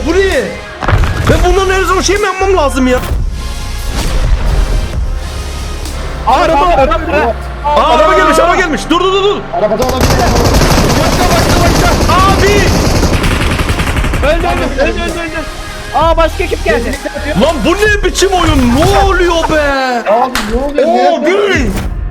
Bu ne? Ben bunların her zaman şey mi yapmam lazım ya? Araba gelmiş, araba gelmiş. Dur. Arabada olabilir. Abi! Öldü. Aa başka ekip geldi. Lan bu ne biçim oyun? Ne oluyor be? Abi ne oluyor? Abi!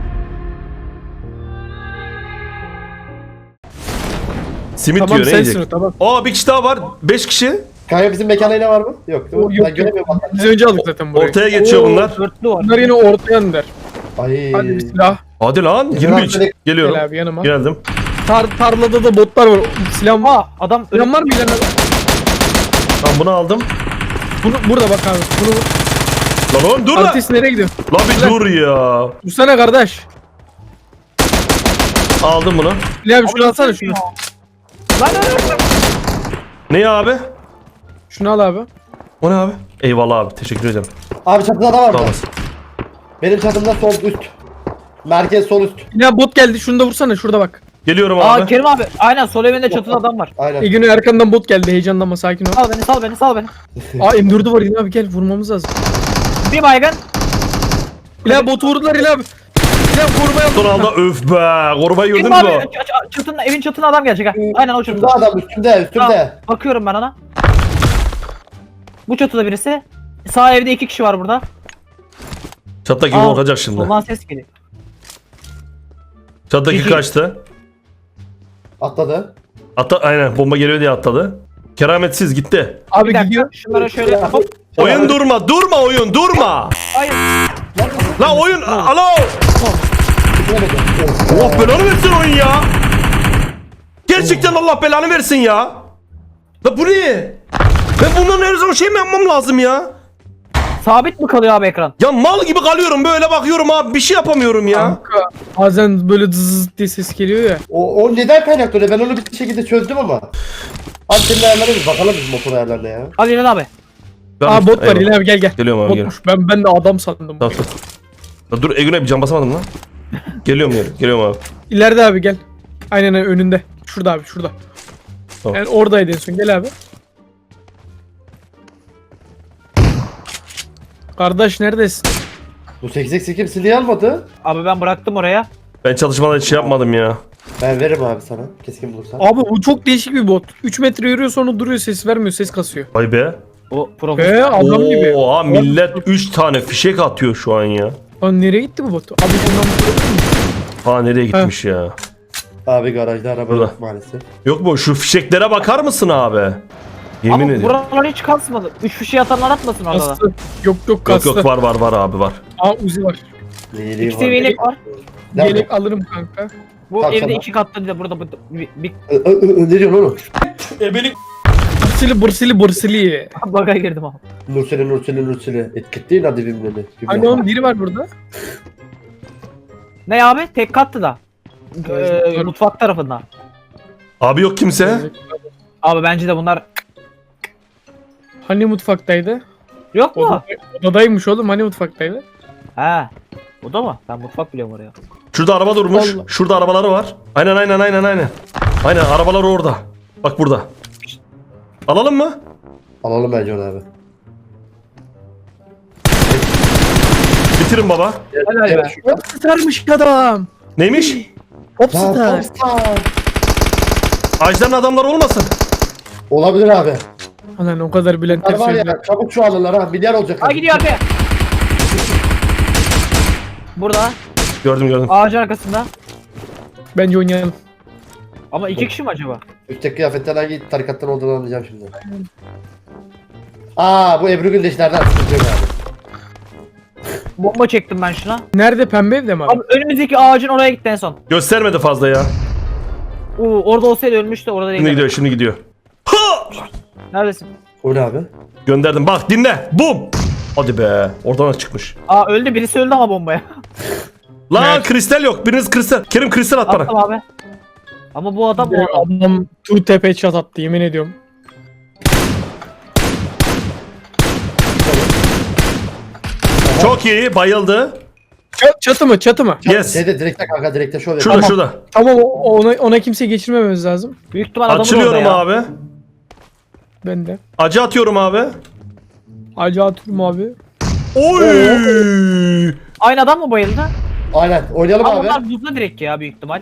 Simit Tamam diyor, ne sensin o, yiyecek? tamam. Aa bir kişi daha var. 5 kişi. Kanka bizim mekanda yine var mı? Yok. Değil mi? Yok, Ben göremiyorum. Biz önce aldık zaten burayı. Ortaya geçiyor bunlar. Dörtlü var. Bunlar yine ortaya iner. Ay. Hadi bir silah. Hadi lan 23. Geliyorum. Gel abi yanıma. Geldim. Tarlada da botlar var. Silah var. Aa adam Silah var mı ileride? Tamam bunu aldım. Burada bak abi. Bunu Lan oğlum dur lan. artist nereye gidiyor? Lan bir dur ya. Dursana kardeş. Aldım bunu. Silah abi şunu alsana şunu. Lan. Ne ya abi? Şunu al abi. O ne abi? Eyvallah abi, teşekkür ederim. Abi çatıda da var Sağ mı? olasın. Benim çatımda sol üst. Merkez sol üst. Ya bot geldi. Şunu da vursana şurada bak. Geliyorum Aa abi. Kerim abi. Aynen sol evinde çatıda adam var. Aynen. Ege'nin arkandan bot geldi. Heyecanlanma sakin ol. Sal beni. Aa M4'ü var yine abi gel vurmamız lazım. Bir baygın. İlah botu vurdular İlah abi. İlah korumaya Son anda öf be. Korumayı Kerim gördünüz abi mü? evin çatına adam gelecek ha. Aynen o Üstümde çatıda. adam üstümde. Tamam, bakıyorum ben ona. Bu çatıda birisi. Sağ evde 2 kişi var burada. Çattaki Aa, korkacak şimdi. Soldan ses geliyor. Çattaki İki. kaçtı. Atladı. Aynen bomba geliyor diye atladı. Kerametsiz gitti. Abi Bir dakika gidiyor. şunlara şöyle hop. Oyun durma oyun durma. Hayır. La oyun alo. Allah belanı versin oyun ya. Gerçekten Allah belanı versin ya. La bu ne? Ben bunların her zaman şey mi yapmam lazım ya? Sabit mi kalıyor abi ekran? Ya mal gibi kalıyorum böyle bakıyorum abi bir şey yapamıyorum ya. Kanka, bazen böyle zzz diye ses geliyor ya. O neden kaynaklı öyle? Ben onu bir şekilde çözdüm ama. Abi senin ayarlarına bir bakalım biz motor ayarlarına ya. Hadi İlhan abi. Aa bot var Eyvallah. İlah abi gel. Geliyorum abi geliyorum. Botmuş. Ben de adam sandım. Tamam. La dur Egün'e bir can basamadım lan. Geliyorum abi. İleride abi gel. Aynen önünde. Şurada abi şurada. Tamam. Yani oradaydı en son gel abi. Kardeş neredesin? Bu 8x kim silahı almadı? Abi ben bıraktım oraya. Ben çalışmadan hiç şey yapmadım ya. Ben veririm abi sana. Keskin bulursan. Abi bu çok değişik bir bot. 3 metre yürüyor sonra duruyor ses vermiyor ses kasıyor. Vay be. O profesyonel. Adam gibi. Oha millet 3 tane fişek atıyor şu an ya. Lan nereye gitti bu bot? Abi bundan Ha nereye gitmiş ya? Abi garajda araba Burada. yok maalesef. Yok mu şu fişeklere bakar mısın abi? Yemin Ama ediyorum. buralar hiç kasmadı. 3 fişi atanlar atmasın orada da. kastı. Yok Yok kastı. yok var abi var. Aa Uzi var. İyiliği 2 var. seviyelik var. Nerede? Yelek alırım kanka. Bu Tamam, evde tamam. 2 katlı değil de burada bir Ne diyorsun oğlum? Bursili. baga girdim abi. Nurseli. Etkitleyin hadi filmleri. Hani onun biri var burada. Ne abi? Tek katlı da. Mutfak tarafında. Abi yok kimse. Abi bence de bunlar Hani mutfaktaydı? yok mu? Odadaymış oğlum hani mutfaktaydı? He. O da mı? Ben mutfak biliyorum oraya. Şurada araba durmuş. Allah. Şurada arabaları var. Aynen. Aynen arabalar orada. Bak burada. Alalım mı? Alalım bence onu abi. Bitirin baba. Helal be. Popstarmış adam. Neymiş? Popstar. Ajdar'ın adamları olmasın. Olabilir abi. Lan o kadar Bülent Hadi var Ersoy. ya çabuk şu alırlar ha. Milyar olacak. Ha gidiyor abi. Burada. Gördüm. Ağacın arkasında. Bence oynayalım. Ama 2 kişi mi acaba? Üstteki kıyafetler hangi tarikattan olduğunu anlayacağım şimdi. Aa bu Ebru Gündeşlerden sıkıntı yok abi. Bomba çektim ben şuna. Nerede pembe evde mi abi? Abi önümüzdeki ağacın oraya gitti en son. Göstermedi fazla ya. Orada olsaydı ölmüştü orada değil. Şimdi gidiyor. Ha! Neredesin? O ne abi? Gönderdim. Bak dinle. Bum. Hadi be. Oradan çıkmış. Aa öldü birisi öldü ama bombaya. Lan Evet. kristal yok. Biriniz kristal. Kerim kristal at bana. Attım abi. Ama bu adam o adam. Adam tu tepe çat attı yemin ediyorum. Çok iyi. Bayıldı. Çatı mı? Yes. Şeyde direkte kanka direkte şöyle. Şurada. Tamam ona kimse geçirmememiz lazım. Büyük ihtimal adamın Açılıyorum orada ya. abi. Ben de. Acı atıyorum abi. Acı atıyorum abi. Oy! Aynı adam mı bayıldı? Aynen. Oynayalım Ama abi. onlar buzda direkt ya büyük ihtimal.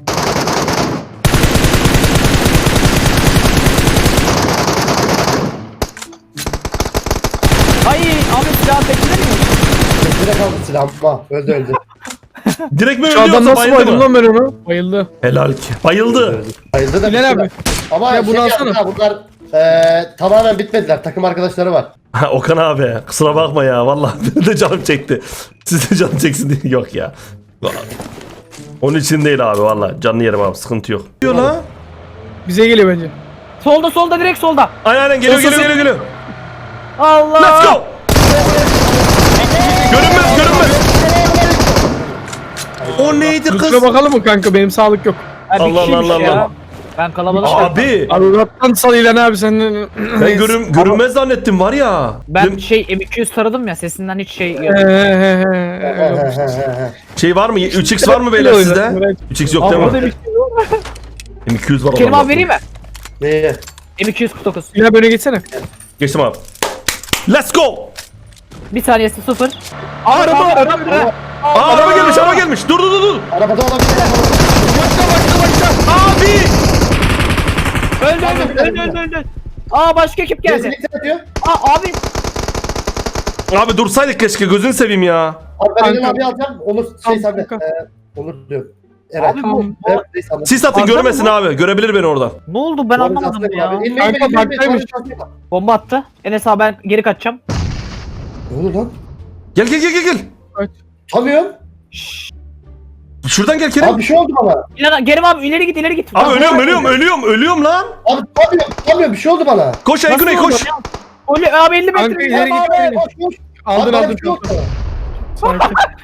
Ay Ahmet silahı bekler mi? Direkt aldı silahım. Ha, öldü. Direkt mi Şu adam ölüyorsa nasıl bayıldı bayıldım mı? lan ben onu? Bayıldı. Helal ki. Bayıldı. Bayıldı da Bilal bitti. abi. Ama Ya bunu şey alsana. yaptı ha, bunlar tamamen bitmediler. Takım arkadaşları var. Ha, Okan abi kusura bakma ya vallahi benim de canım çekti. Siz de canım çeksin diye yok ya. Onun için değil abi vallahi canlı yerim abi sıkıntı yok. Diyor lan. Bize geliyor bence. Solda direkt solda. Aynen geliyor Sus, sus, geliyor. Allah. Let's go. Görünmez. O neydi kız? Kusura bakalım mı kanka, benim sağlık yok. Ha, bir Allah kişiymiş Allah ya. Allah. Ben kalabalık Abi Allah'tan salıyla abi sen. ben görünmez zannettim var ya. Ben şey M200 taradım ya sesinden hiç şey yok. Şey var mı? 3x var mı beyler sizde? 3x yok değil Orada mi? bir şey yok. M200 var Kerim adamda. abi vereyim mi? Neye? M249. Ya böyle geçsene. Geçtim abi. Let's go. Bir saniyesi 0. Araba. Araba gelmiş. Dur. Arabada olabilir. Abi. Öldü. Aa başka ekip geldi. Kesinlikle atıyor. Aa abi. Abi dursaydık keşke gözünü seveyim ya. Abi ben Kanka. Eren abi alacağım. Onur şey Tamam, sende. kanka. Onur diyorum. Eren. Abi bu Evet, neyse, anladım. Siz atın Arda görmesin mı? abi. Görebilir beni oradan. ne oldu ben Doğru, anlamadım şanslı ya. abi. İnmeyin, Kanka, inmeyin, baktaymış. şanslı. Bomba attı. Enes abi ben geri kaçacağım. Ne oldu lan? Gel. Tutamıyorum. Şuradan gel Kerim. Abi bir şey oldu bana. Kerim abi ileri git. Abi ölüyorum lan. Abi tutamıyorum. Bir şey oldu bana. Koş Nasıl Aygün'e oldu koş. ya? Abi 50 Kanka, metre. ileri git. Abi koş. Aldın Abi bana aldın. bir şey oldu. Sakin.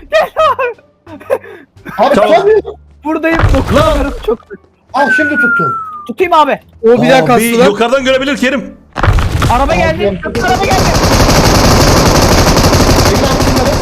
Abi Tamam. tutamıyorum. Buradayım. Dokunuyorum çok. Ah şimdi tuttum. Tutayım abi. O bir daha Abi kastı lan. yukarıdan görebilir Kerim. Araba geldi. Abi, Köprü araba geldi. Peki abi şunları.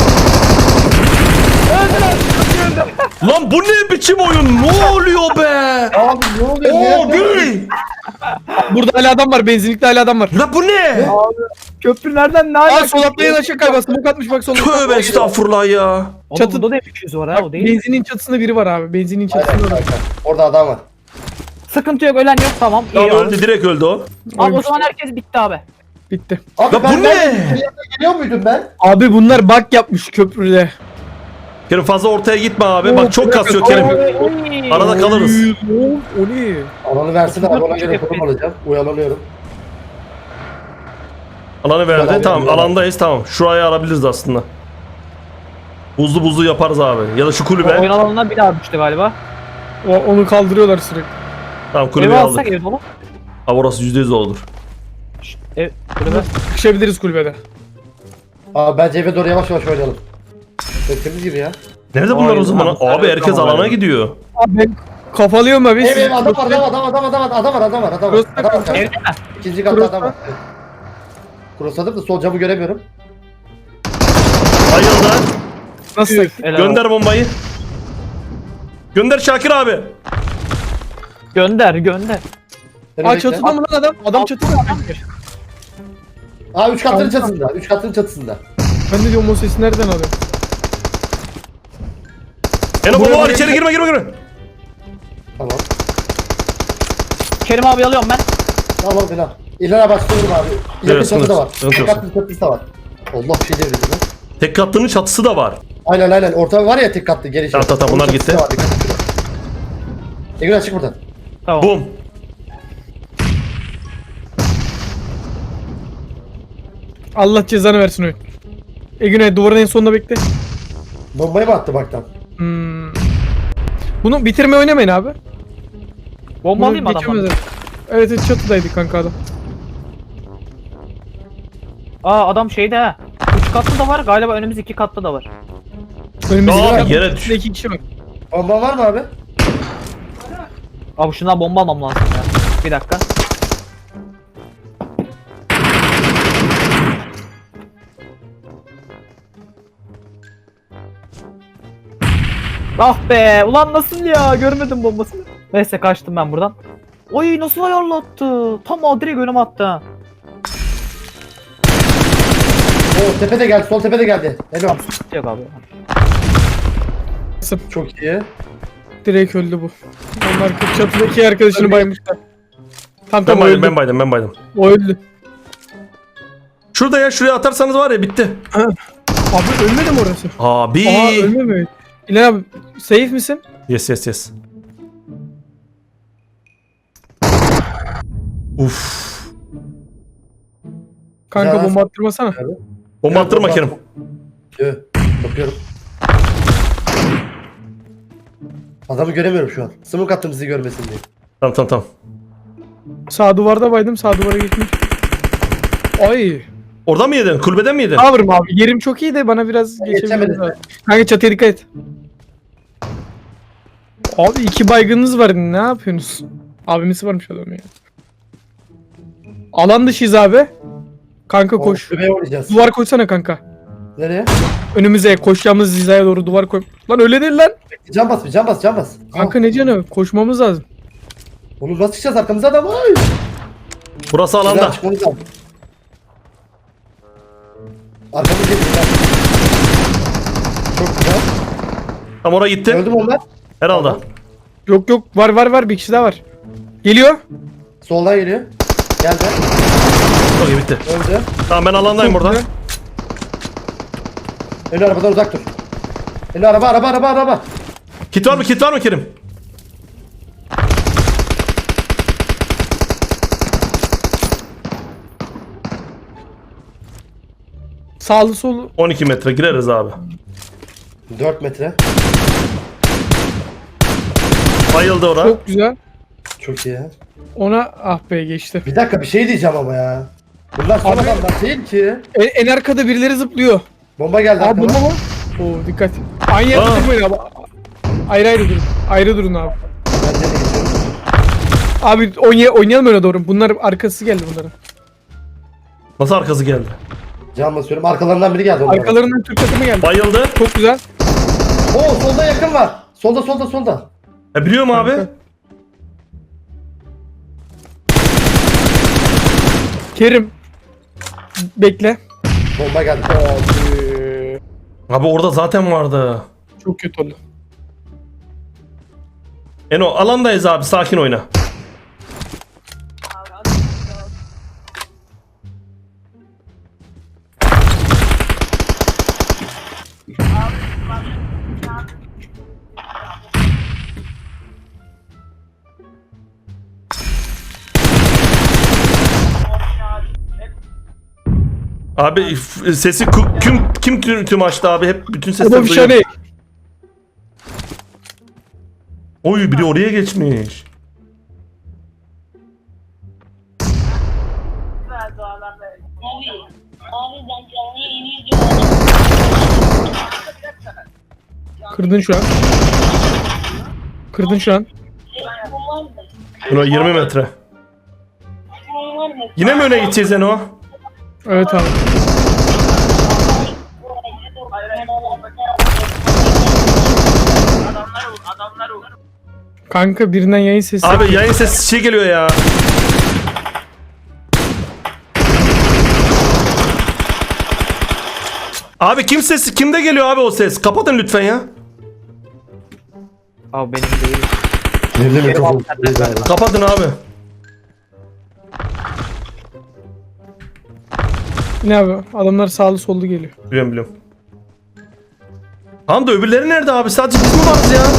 Öldü. Lan bu ne biçim oyun? Ne oluyor be? Abi ne oluyor? Oo Ne Gül. Burada hala adam var. Benzinlikte hala adam var. La bu ne? Köprü nereden ne Aa alaka? sol atlayan aşağı kayba. Smoke atmış bak solda. Tövbe estağfurullah ya. Oğlum Çatı- bunda da M200 var ha o değil. Benzinin çatısında biri var abi. Benzinin çatısında Aynen var. kanka. Orada adam var. Sıkıntı yok ölen yok tamam. İyi Tamam oldu. öldü direkt öldü o. Abi o zaman herkes bitti abi. Bitti. Abi Ya bu ben ne? geliyor muydum ben? Abi bunlar bug yapmış köprüde. Kerim fazla ortaya gitme abi. Bak çok kasıyor Kerim. Oy. Arada kalırız. O ne? Alanı versin abi ona göre Çok konum alacağım. Uyalanıyorum. Alanı verdi. Tamam, Tamam tamam. alandayız tamam. Şurayı alabiliriz aslında. Buzlu yaparız abi. Ya da şu kulübe. Oyun alanına bir daha düştü galiba. Onu kaldırıyorlar sürekli. Tamam Evi kulübeyi alsak aldık. ev dolu. Ha orası %100 olur. Ev kulübe. Sıkışabiliriz kulübede. Abi bence eve doğru yavaş oynayalım. Beklediğimiz gibi ya. Nerede bunlar o Ay, zaman? abi, Abi herkes tamam, alana abi. gidiyor. Abi ben kafalıyorum abi. Ev adam var. Adam var. Cross Adam var. Evde mi? İkinci katta adam var. Evet. Crossladım da sol camı göremiyorum. Bayıldı. Nasıl? Helal. Gönder bombayı. Gönder Şakir abi. Gönder. Beni Aa bekle. çatıda mı lan adam? Adam çatıda. Aa 3 katların çatısında. 3 katların çatısında. Ben de diyorum o sesi nereden alıyor? Eno bomba var buraya içeri girme. Tamam. Kerim abi alıyorum ben. Tamam Bilal. İlerine başlıyorum abi. İleride Evet, çatı da var. sıkıntı Tek yok. katlı çatısı da var. Allah bir şey devrildi lan. Tek katlının çatısı da var. Aynen. Orta var ya tek katlı geliş. Tamam, bunlar Onun gitti. çatısı da var, dikkat et. Egül çık buradan. Tamam. Bum. Allah cezanı versin oyun. Egüne duvarın en sonunda bekle. Bombayı mı attı baktan? Bunu bitirme oynamayın abi. Bomba Bunu alayım mı adamdan? geçemezler. Evet çatıdaydı kanka adam. Aa adam şeyde ha. 3 katlı da var galiba önümüz 2 katlı da var. Önümüzde Abi, yere düş. 2 kişi var. Bomba var mı abi? Abi şundan bomba almam lazım ya. Bir dakika. Ah be ulan nasıl ya görmedim bombasını. Neyse kaçtım ben buradan. Oy nasıl ayarlattı? Tam direkt önüme attı ha. Oo tepe de geldi. Sol tepe de geldi. Helal. Yok abi. Çok iyi. Direkt öldü bu. Onlar çatıda iki arkadaşını baymışlar. Tam Ben tam baydım öldü. ben baydım ben baydım. O öldü. Şurada ya şuraya atarsanız var ya bitti. Abi ölmedi mi orası? Abi. Aa ölmedi. İlhan abi safe misin? Yes yes yes. Uf. Kanka Ya. bomba attırmasana. Bomba attırma Kerim. Yo, bakıyorum. Adamı göremiyorum şu an. Smoke attım sizi görmesin diye. Tamam tamam tamam. Sağ duvarda baydım. Sağ duvara geçmiş. Ay. Oradan mı yedin? Kulübeden mi yedin? Cover'ım abi. Yerim çok iyi de bana biraz geçebiliriz geçemedim. abi. Kanka çatıya dikkat et. Abi 2 baygınınız var. Ne yapıyorsunuz? Abimisi varmış adam ya. Alan dışıyız abi. Kanka koş. Kulübeye oynayacağız. Duvar koysana kanka. Nereye? Önümüze koşacağımız hizaya doğru duvar koy. Lan öyle değil lan. Can bas bir can bas can bas. Kanka ne canı? Koşmamız lazım. Oğlum nasıl çıkacağız arkamıza adam var. Burası alanda. Güzel çıkmamız lazım. Arkamız geçti. Çok güzel. Tam oraya gittin. Öldü mü onlar? Herhalde. Yok yok var bir kişi daha var. Geliyor. Soldan geliyor. Geldi. Okey bitti. Öldü. Tamam ben alandayım Çok buradan. güzel. Önü arabadan uzak dur. Önü araba. Kit var mı? Kit var mı Kerim? Sağlı solu. 12 metre gireriz abi. 4 metre. Bayıldı ora. Çok güzel. Çok iyi ya. Ona ah be geçti. Bir dakika bir şey diyeceğim ama ya. Bunlar son Abi- adamlar değil ki. En arkada birileri zıplıyor. Bomba geldi Abi arkama. bomba mı? Oo dikkat. Aynı yerde Aa. durmayın abi. Ayrı durun. Ayrı durun abi. Ben de geçiyorum. Abi oynayalım öyle doğru. Bunlar arkası geldi bunların. Nasıl arkası geldi? Can basıyorum. Arkalarından biri geldi. onlara. Arkalarından Türk takımı geldi. Bayıldı. Çok güzel. Oo solda yakın var. Solda. Biliyorum abi. Kanka. Kerim. Bekle. Bomba geldi. Abi orada zaten vardı. Çok kötü oldu. Eno alandayız abi sakin oyna. Abi sesi kim açtı abi hep bütün sesler Adam duyuyor. şahane. Oy biri oraya geçmiş. Abi ben canlı yayını izliyorum. Kırdın şu an. Kırdın şu an. Telefonum var mı? Eno 20 metre. Telefonum var mı? Yine mi öne gideceğiz Eno? Evet abi. Kanka birinden yayın sesi. Abi yayın sesi şey geliyor ya. Abi kim sesi kimde geliyor abi o ses? Kapatın lütfen ya. Abi benim değil. Yerine mikrofon. Kapatın abi. Ne abi? Adamlar sağlı sollu geliyor. Biliyorum. Tamam da öbürleri nerede abi? Sadece biz mi varız ya?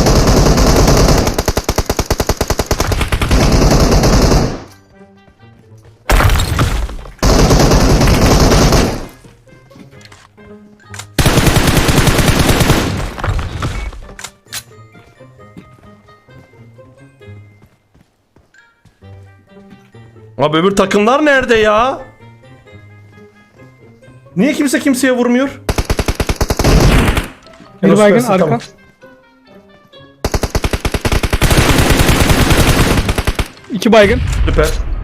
Abi öbür takımlar nerede ya? Niye kimse kimseye vurmuyor? Bir Enos baygın versin, arka. tamam. İki baygın. Süper.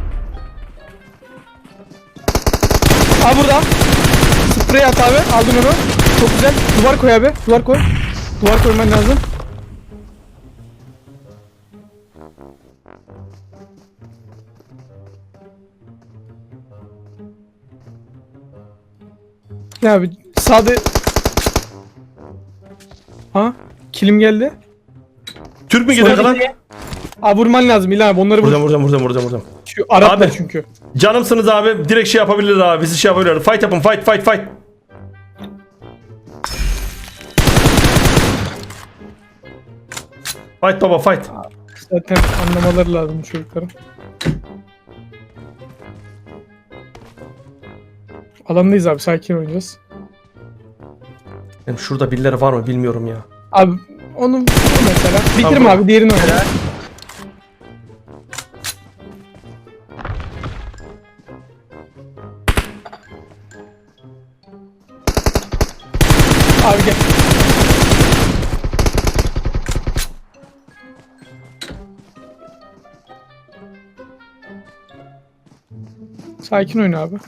Aa burada. Sprey at abi. Aldım onu. Çok güzel. Duvar koy abi. Duvar koy. Duvar koyman lazım. Ne abi sağda. Ha? Kilim geldi. Türk mü gidiyor lan? Abi vurman lazım İlhan abi onları vur. Vuracağım. Şu Araplar Abi. çünkü. Canımsınız abi. Direkt şey yapabiliriz abi. Bizi şey yapabiliriz. Fight yapın. Fight. Fight baba fight. Zaten anlamaları lazım bu çocukların. Alandayız abi sakin oynayacağız. Benim şurada birileri var mı bilmiyorum ya. Abi onu mesela. Bitirme Tamam. abi diğerini oyna. Abi gel. Sakin oyna abi.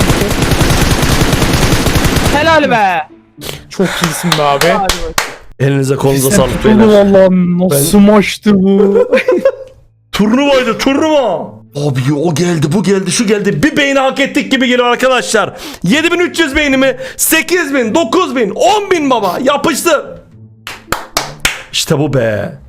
Helal be. Çok iyisin be abi. Hadi bak. Elinize kolunuza sağlık Tutuldu beyler. vallahi nasıl maçtı bu? Turnuva. Abi o geldi bu geldi şu geldi. Bir beyni hak ettik gibi geliyor arkadaşlar. 7300 beynimi 8000 9000 10000 baba yapıştı. İşte bu be.